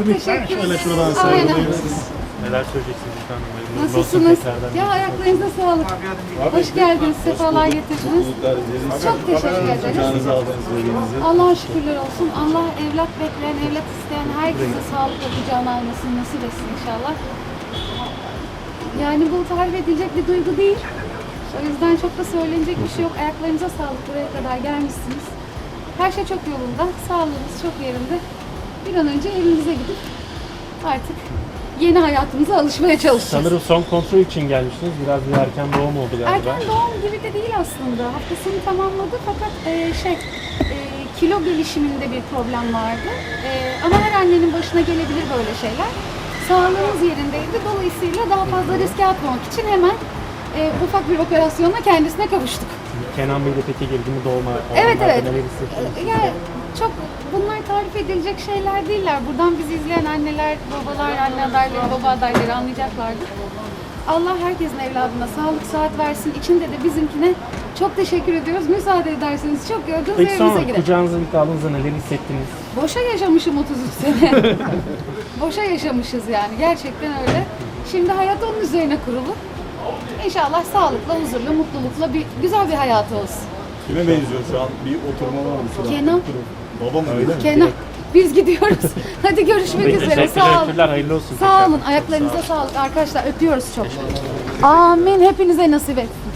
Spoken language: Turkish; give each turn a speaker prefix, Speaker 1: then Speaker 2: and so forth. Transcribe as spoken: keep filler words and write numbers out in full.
Speaker 1: teşekkür
Speaker 2: Şöyle
Speaker 1: ederim.
Speaker 2: şuradan
Speaker 1: Aynen.
Speaker 2: sarılayım.
Speaker 3: Neler söyleyeceksiniz efendim? Hayırlı olsun
Speaker 1: Nasılsınız?
Speaker 3: tekrardan.
Speaker 1: Ya ayaklarınıza sağlık. Hoş geldiniz, sefalar getirdiniz. Çok teşekkür ederiz.
Speaker 2: Canınızı aldığınız verdiğinizi.
Speaker 1: Allah'a şükürler olsun. Allah evlat bekleyen, evlat isteyen herkese sağlıkla kucağına almasını nasip etsin inşallah. Yani bu tarif edilecek bir duygu değil. O yüzden çok da söylenecek bir şey yok. Ayaklarınıza sağlık, buraya kadar gelmişsiniz. Her şey çok yolunda, sağlığınız çok yerinde. Bir an önce evimize gidip artık yeni hayatımıza alışmaya çalışacağız.
Speaker 3: Sanırım son kontrol için gelmiştiniz. Biraz bir erken doğum oldu galiba.
Speaker 1: Erken doğum gibi de değil aslında. Haftasını tamamladı fakat e, şey e, kilo gelişiminde bir problem vardı. E, ama her annenin başına gelebilir böyle şeyler. Sağlığımız yerindeydi. Dolayısıyla daha fazla riske atmamak için hemen e, ufak bir operasyonla kendisine kavuştuk.
Speaker 3: Kenan Bey de peki girdi mi doğuma?
Speaker 1: Evet
Speaker 3: Onlarda
Speaker 1: evet.
Speaker 3: Neler hissettiniz?
Speaker 1: E, Yani çok bunlar tarif edilecek şeyler değiller. Buradan bizi izleyen anneler, babalar, anne adayları, baba adayları anlayacaklardır. Allah herkesin evladına sağlık, sıhhat versin. İçinde de bizimkine çok teşekkür ediyoruz. Müsaade ederseniz çok gördünüz
Speaker 3: Peki
Speaker 1: evimize
Speaker 3: sonra
Speaker 1: gidelim.
Speaker 3: kucağınıza ilk aldığınızda neler hissettiniz?
Speaker 1: Boşa yaşamışım otuz üç sene. Boşa yaşamışız yani. Gerçekten öyle. Şimdi hayat onun üzerine kurulu. İnşallah sağlıkla, huzurla, mutlulukla bir güzel bir hayatı olsun.
Speaker 2: Kime benziyor şu an? Bir oturma var mı? Şurada?
Speaker 1: Kenan.
Speaker 2: Baba mı öyle mi?
Speaker 1: Kenan, biz gidiyoruz. Hadi görüşmek
Speaker 3: Peki,
Speaker 1: üzere.
Speaker 3: teşekkürler,
Speaker 1: Sağ olun.
Speaker 3: teşekkürler, hayırlı olsun.
Speaker 1: Sağ olun. Ayaklarınıza sağlık arkadaşlar. Öpüyoruz çok. Amin. Hepinize nasip etsin.